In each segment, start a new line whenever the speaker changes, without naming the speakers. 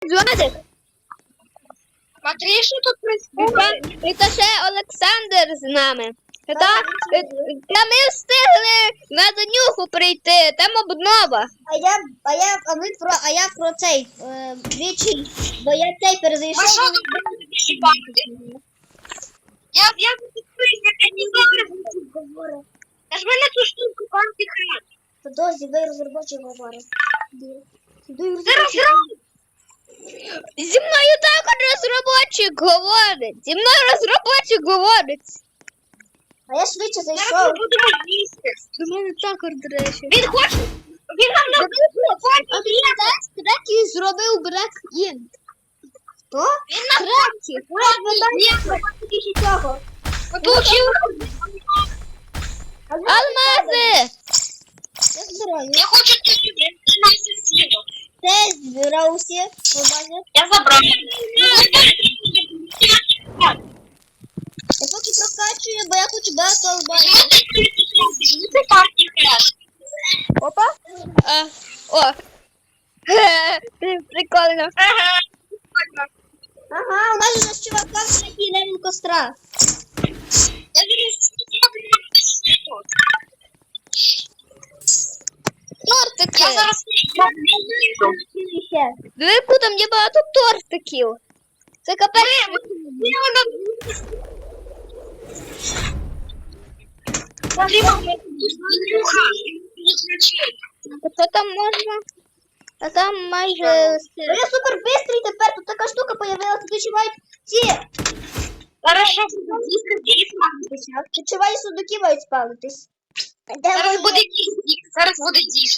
Владик,
Смотри, що тут происходит.
і то ще Олександр з нами. Та ми встигли на Данюху прийти, там обнова.
А я про цей двічі, бо я цей
Ви
перезайшов.
що тут будете шибати? Я не знаю. Нажми на цю штуку, антихрад.
Подожди, ви розробочі говорите.
Зараз.
Зі мною також розробочик говорить. Зі мною розробочик говорить.
А я швидше
Зараз ми
зайшов.
будемо їсти.
До мене також, до речі.
Він хоче. Він нам на
А він третій зробив брек ін. Хто?
Він на
Третій. Тільки цього.
получив.
Алмази!
Я збираю.
Я хочу тобі на сусіду.
Це збирав усі.
Я забрав.
Я поки прокачую, бо я хочу багато алмазів.
Це антихрад.
Опа. О. Прикольно.
Ага.
Ага, у нас же з чувака такий левел костра.
Я зараз
Тортики.
Я зараз
Диви, там є багато тортиків. Це капець.
Смотри, мама,
Що там можна? А там майже все.
Я супер бистрий тепер, тут така штука появилася, відчувають ці.
Хорошо.
Відчувають сундуки мають спалитись.
Зараз буде диск. Зараз буде диск.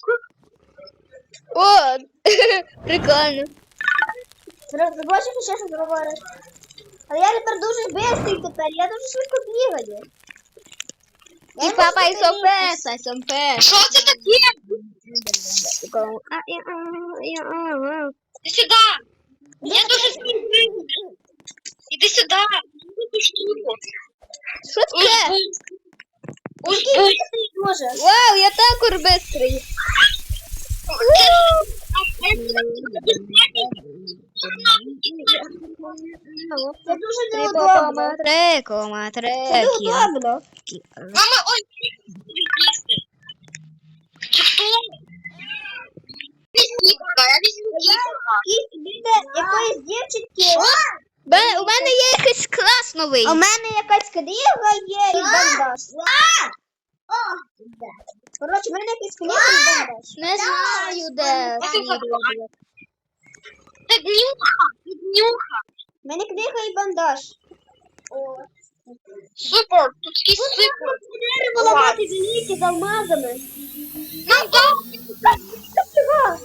О, прикольно.
Бачиш, ще щось говориш. Але я тепер дуже бистрий тепер, я дуже швидко бігаю.
І папа, і сомпеса, і сомпеса.
Що це таке? Іди сюди. Я дуже спізнив. Іди сюди. Іди штуку.
Що таке?
Узбуй.
Може.
Вау, я також бистрий.
Це дуже неудобно.
3,3.
Це неудобно.
Мама, ой. Це хто? Візьмітка, я візьмітка.
І біля якоїсь дівчинки.
У мене є якийсь клас новий.
А в мене якась книга є і бандаж. Коротше, в мене якась книга і бандаж.
Не знаю, де.
Це днюха. Це днюха.
В мене книга і бандаж.
Супер. Тут такий супер.
Дерево ламати велике з алмазами.
Нам дав.
Чого?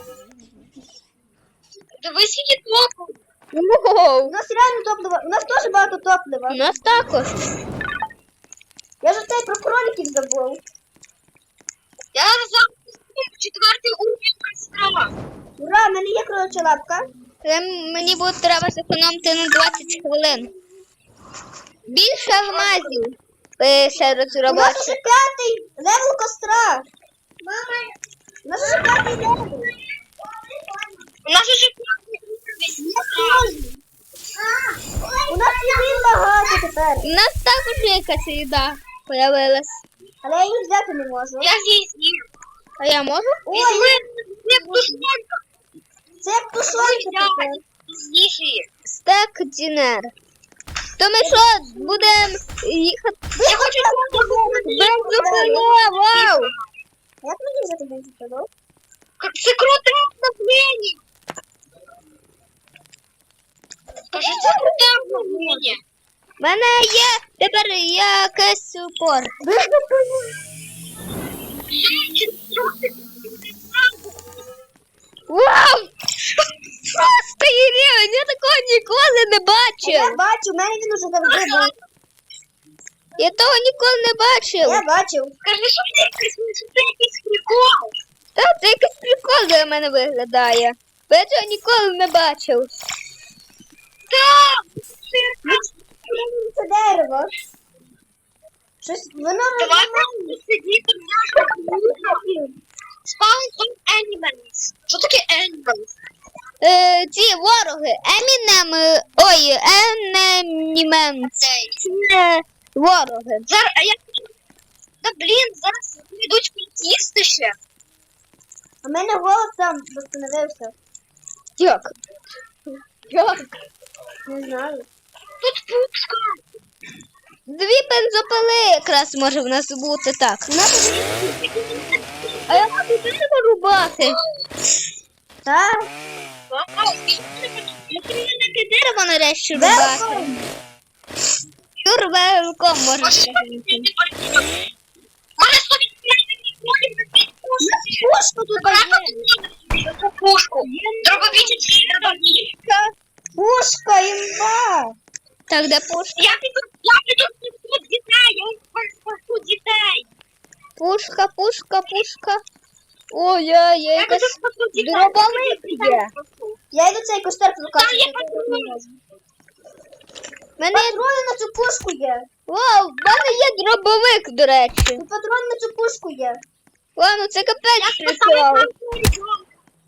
Дивись, які топи.
У
Воу.
нас реально топлива. У нас теж багато топлива.
У нас також.
Я ж цей про кроликів забув.
Я зараз четвертий уровень костра.
Ура, в мене є кролича лапка.
Мені буде треба зекономити на 20 хвилин. Більше алмазів. Пише
У нас
розробочик.
уже п'ятий левел костра. Мама, у нас уже п'ятий левел.
У нас уже п'ятий уровень костра.
У нас їди багато тепер.
У нас також є якась їда появилась.
Але я її взяти не можу.
Я здесь їм.
А я можу?
Візьми, як тушонка.
Це як тушонка тепер.
З'їж її.
Стек дінер. То ми що, будемо їхати?
Я хочу
Бензопило, вау!
Як мені взяти бензопилу?
Це круте обновлення. Скажи, це круте обновлення.
У мене є тепер якийсь супорт. Вау! Шостий рівень! Я такого ніколи не
Я
бачив!
бачу, в мене він уже завжди був.
Я того ніколи не бачив.
Я бачив.
Скажи, що це якийсь прикол.
Та це якийсь прикол для мене виглядає. Бо я цього ніколи не бачив.
Так,
Це дерево. Щось воно
давай сидіти в нашому Spawn of animals. Що таке animals?
ці вороги. Енемімен. Це вороги.
Зараз, а я... Да, блін, зараз йдуть культісти ще.
У мене голос сам восстановився.
Як?
Не знаю.
Тут пупска.
2 бензопили якраз може в нас бути так. А я можу дерево рубати.
Так.
Таке дерево нарешті рубати. Юрвелком можна сказати.
Може, слухай,
Пушку тут є.
пушку. Дробовичі чи
Пушка, імба.
Так, де пушка?
Я піду спасу дітей, я спасу дітей.
Пушка. Ой, я
Я
якась
піду спасу дітей.
дробовик є.
Я йду цей костер
Там
покажу.
є патрони.
Мене
Патрони на цю пушку є.
вау, в мене є дробовик, до речі.
Тут патрони на цю пушку є.
Ладно, це капець
Я
прикол.
спасаю.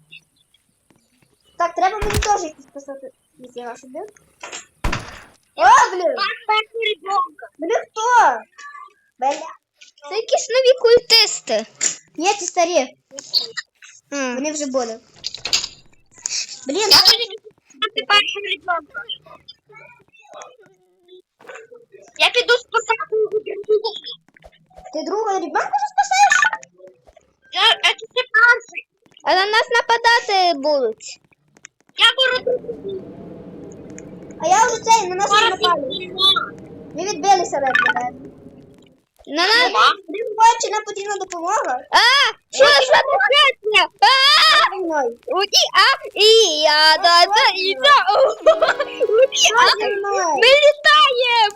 Так, треба мені теж якісь писати. Ніфіга собі. О, блін! Блін, хто? Беля.
Це якісь нові культисти.
Ні, ці старі. Вони вже були. Блін,
Я тоді спасати першим ребенка. Я піду спасати його.
ти другого ребенка вже спасаєш?
Це перший.
А на нас нападати будуть.
Я беру
А я вже цей, на нас вже напали.
нема.
Ми відбилися від мене.
На нас...
Блін, бачу, нам потрібна допомога.
Що таке?
За мною. Що зі мною?
Ми літаємо!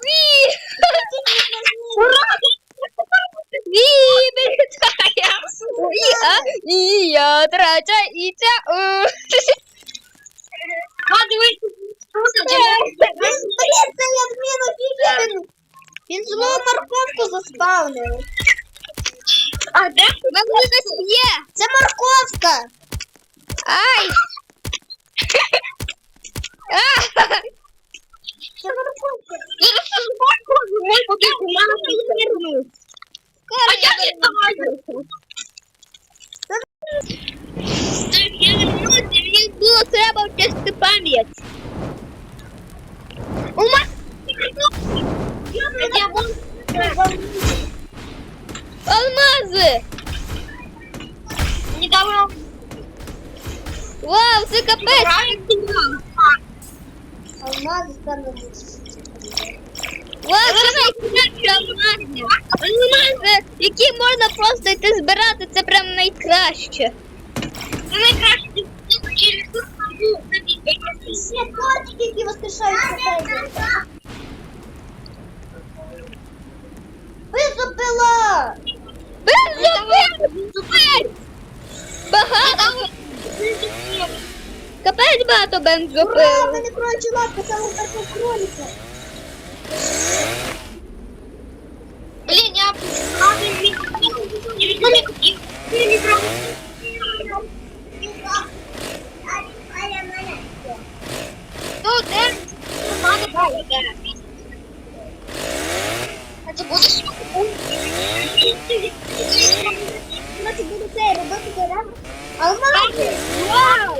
Ми літаємо! Я трача і ця.
Блін, це я зміну фігін. Він знову морковку заспавнив.
А де?
Мене хтось є!
Це морковка.
Ай!
Це морковка.
А я не знаю.
Я не можу, мені було треба вчасти пам'ять.
У мене
Алмази!
недавно
Вау, це капець!
Алмази там.
Вау, це найкраще алмази! Алмази, які можна просто йти збирати, це прям найкраще.
це найкраще через
Ще котики, які воскрешаються. Бензопила!
Бензопил! Багато! Капець багато
Ура,
бензопил!
мене кроличі лапки, саме першого кролика.
Блин, я не купил. Ну, да. А ти будеш
Значить, буду це робити дерева. Алмази!
Вау!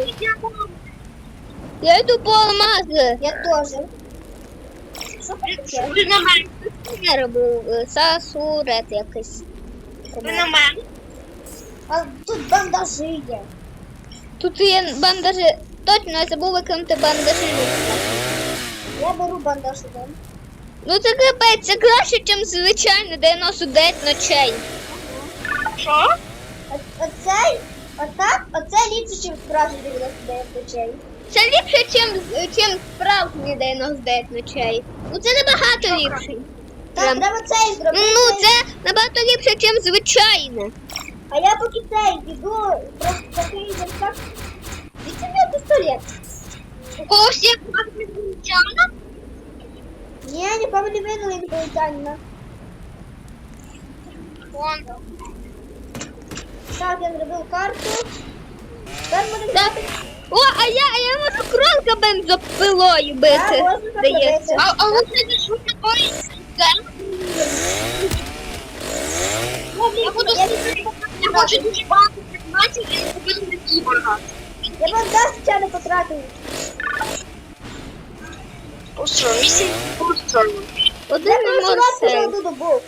Я йду по алмази.
Я теж. Що таке?
Ви на мене.
Я роблю сасурет якийсь.
Ви на мене.
А тут бандажі є.
Тут є бандажі. Точно, я забув викинути бандажі.
Я беру бандаж один.
Ну це капець, це краще, ніж звичайно 99 ночей.
Що?
Оце ліпше, ніж справжні 99 ночей.
Це ліпше, ніж справжні 99 ночей. Ну це набагато ліпше.
Так,
Прям.
треба цей зробити.
Ну це набагато ліпше, ніж звичайно.
А я поки цей іду, просто такий так. Відсюди пістолет.
У когось є інопланетяна?
Ні, нікому не видали інопланетянина.
Вон.
Так, я зробив карту. Тепер будемо
Так.
грати
О, а я можу кролика бензопилою бити.
можна
Здається.
так
А ви це що такое? Я буду я хочу дуже багато предметів і купити на кіборга.
Я вам дасть ще не потратив.
Постро, місія постро.
Один
Я просто вас вже
морсей.
одну добув.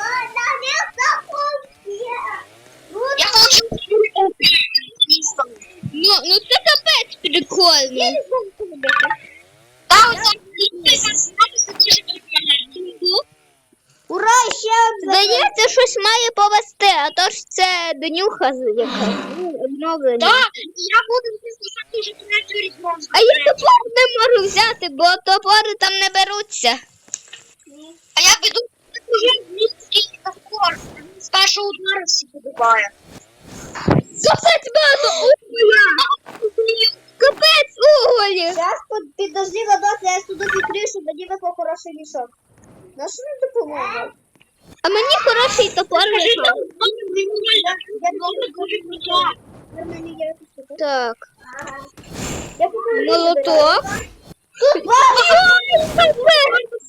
Я хочу місто.
Ну це капець прикольно.
Та оце це дуже прикольно.
Ура, ще одна.
Здається, щось має повести, а то ж це Донюха якась. Ну, обновлення.
Так, я буду писати вже третю різьбу.
А я топор не можу взяти, бо топори там не беруться.
А я веду уже міський топор. З першого удару всі подобає.
Капець багато уголя! Капець уголі!
Зараз підожди, Владос, я сюди відкрию, щоб мені випав хороший мішок. На що не допоможе?
А мені хороший топор вийшов.
Нормально я тут.
Так,
Я покажу.
молоток. Ой, капець!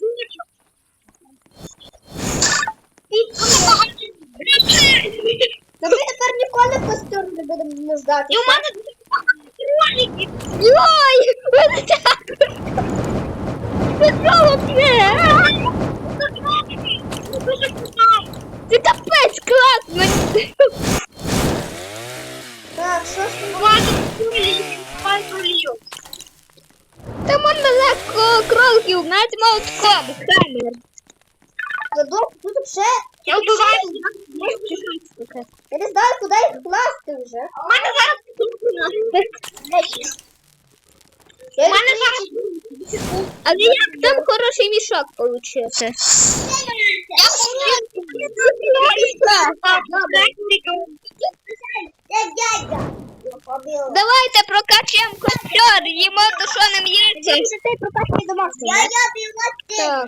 Та ми тепер ніколи костюм не будемо нуждати.
І у мене дуже багато кроликів.
Ой, ось так. Це знову п'є.
Дуже круто.
Це капець класно.
Так, що ж тут?
Багато кроликів.
Та можна легко кроликів, навіть молотком, хаммер.
Владос, тут ще...
Я вбиваю.
Я не знаю, куди їх класти вже.
У мене зараз
Я
У мене
їх-
зараз
Але як там хороший мішок получився?
я
Давайте прокачаємо костер, їмо тушоним яйцем. Так.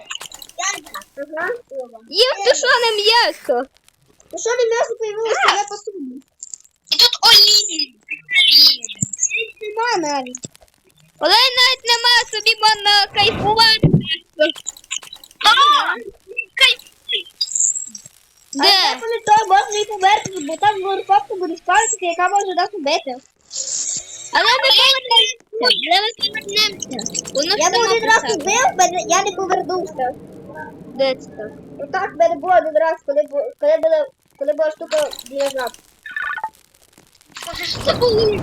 Їм тушоним яйцем.
Ну що не м'ясо появилося, я посуду.
І тут олії.
Нема навіть.
Але навіть нема, собі можна кайфувати.
Але я
Де?
пам'ятаю, можна і померти, бо там морковка буде спалитися, яка може нас убити.
Але ми повернемося. Воно
Я
ж
б
само
один раз
по собі.
убив, я не повернувся.
Де це так?
Отак в мене було один раз, коли була штука біля жаб.
Що це було?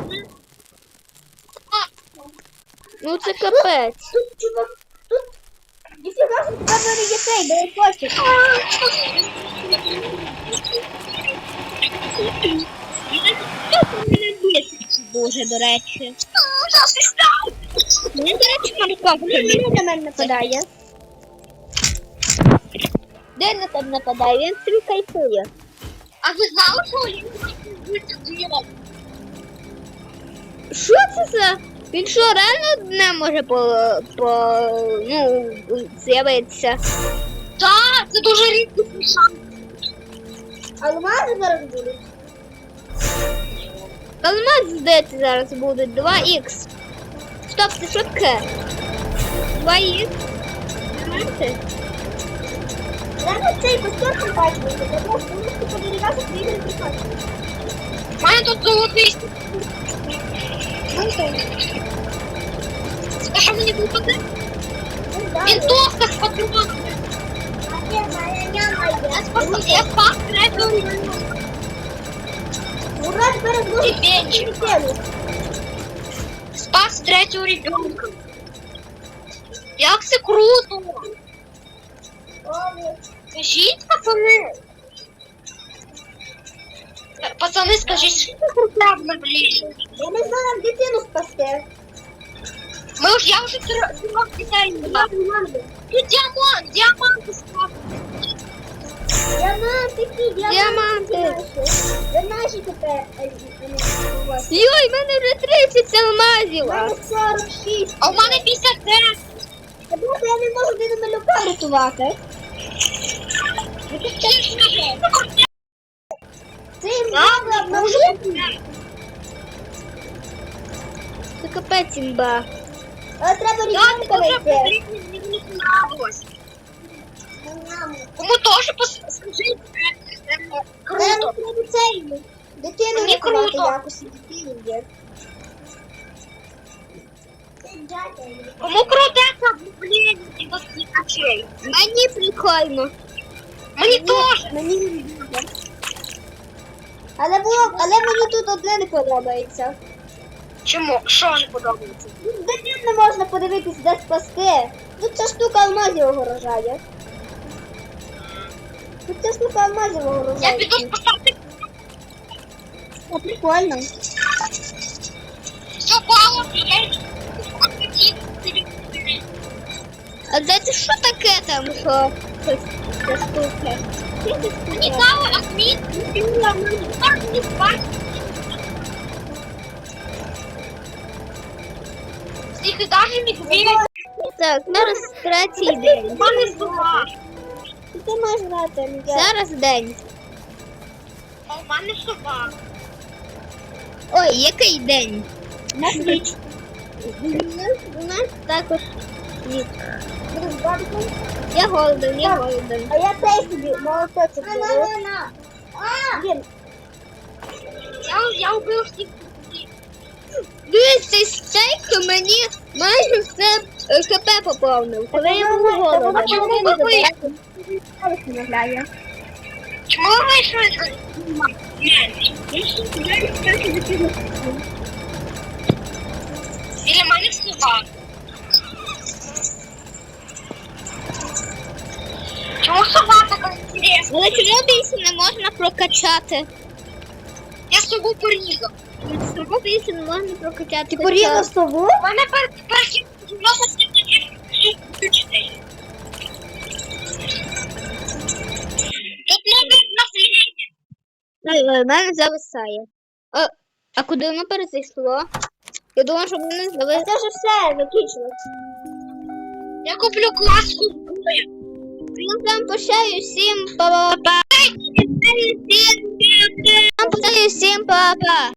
Ну це капець.
Тут, чувак, тут... Ніфіга, що тебе мене є цей, бери костик.
Дуже, до речі. Мені, до речі, морковка.
Він на мене нападає.
Де на тебе нападає? Він собі кайфує.
А ви знали, що олії будуть ділом?
Що це за? Він що, реально не може з'явитися?
Так, це дуже рідкий шанс.
Алмази зараз будуть.
Алмаз, здається, зараз буде 2х. Стоп, це що таке? 2х? Знаєте?
Зараз цей костюм прокачується, тому що ми подивилися, що ігри прокачують.
У мене тут золотий. А що мені випаде? Вінтовка з патронами. Я спас третього рівня.
Ура, тепер зможу
Бенчик.
тему.
Спас третього ребенка. Як це круто! Скажіть, пацани. Пацани, скажіть, що це круто обновлення?
Я не знаю, як дитину спасти.
Я вже трьох дітей не маю. Тут діаманти спас.
Діамантики,
Діаманти.
Ви наші тепер.
Йой, в мене вже 30 алмазів.
У мене 46.
А у мене 59.
Тому що я не можу один малюка рятувати. Це їм треба обновити.
капець імба.
Але треба
Я
рівненько
дуже
знайти.
потрібно, мені не понравилось. Кому теж скажіть, круто.
Треба цей дитину
Мені
рятувати
круто.
якось. Дитину є.
Кому крутеться, блін, і до світачей.
Мені прикольно.
Мені теж.
Мені не буде. Але мені тут одне не подобається.
Чому? Що не подобається?
Дитину не можна подивитись, де спасти. Тут ця штука алмазів огорожає. Тут ця штука алмазів
Я
огорожає.
піду спасати.
О, прикольно.
Все пало, я йду.
А це що таке там, що ця штука?
Мені дали адмін, мені спасти. Всіх і даже медведь.
Так, зараз третій день.
Мене сова.
Ти маєш грати, Мігель.
Зараз день.
А у мене сова.
Ой, який день?
На ніч.
У нас також ніч.
Будеш бабиком?
Я голоден, я голоден.
А я теж собі молоточок беру. Блін,
Я вбив всіх.
Дивись, цей стейк мені майже все ХП поповнив. Коли я був голоден.
А чому ви вийшли?
виглядає.
Чому ви вийшли? Біля мене сова. Чому сова така інтересна?
Але чому більше не можна прокачати?
Я сову порізав.
Чому більше не можна прокачати?
Ти порізав сову?
У мене перші зробити включити. Тут не на фліті.
Ой, в мене зависає. А куди воно перезайшло? Я думала, що воно
А
зависло.
це вже все, закінчилось.
Я куплю класку.
Ну там пощаю всім па-па-па. Всім па-па.